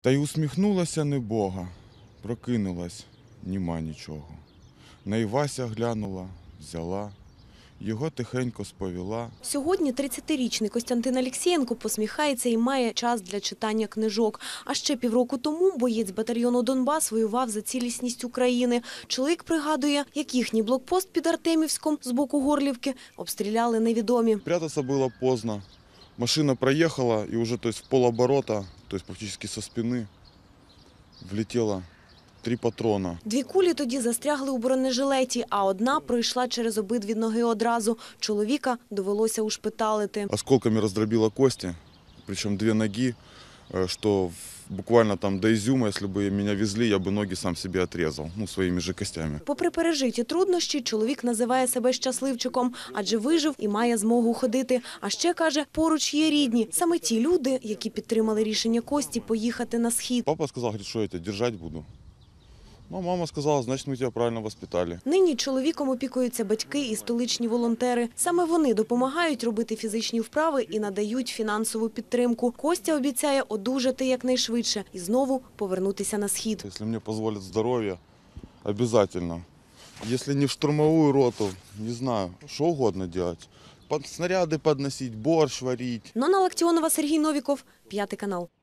Та й усміхнулася небога, прокинулась, нема нічого. На Івася глянула, взяла, його тихенько сповіла. Сьогодні 30-річний Костянтин Алєксєєнко посміхається і має час для читання книжок. А ще півроку тому боєць батальйону «Донбас» воював за цілісність України. Чоловік пригадує, як їхній блокпост під Артемівськом з боку Горлівки обстріляли невідомі. Прятаться было поздно. Машина проехала и уже в полоборота, то есть практически со спины, влетело 3 патрона. 2 кулі тоді застрягли у бронежилеті, а одна пройшла через обидві ноги одразу. Чоловіка довелося ушпиталити. Осколками раздробило кости, причем 2 ноги, что буквально там до Изюма, если бы меня везли, я бы ноги сам себе отрезал, своими же костями. Попри пережиті труднощі, чоловік називає себе щасливчиком, адже вижив і має змогу ходити. А ще, каже, поруч є рідні. Саме ті люди, які підтримали рішення Кості поїхати на схід. Папа сказал, говорит, что я тебя держать буду. Ну, мама сказала, значит, мы тебя правильно воспитали. Нині чоловіком опікуються батьки і столичні волонтери. Саме вони допомагають робити фізичні вправи і надають фінансову підтримку. Костя обіцяє одужати якнайшвидше і знову повернутися на схід. Если мне позволит здоровье, обязательно. Если не в штурмовую роту, не знаю, что угодно делать. Снаряды подносить, борщ варить. Нона Лактіонова, Сергій Новіков, 5 канал.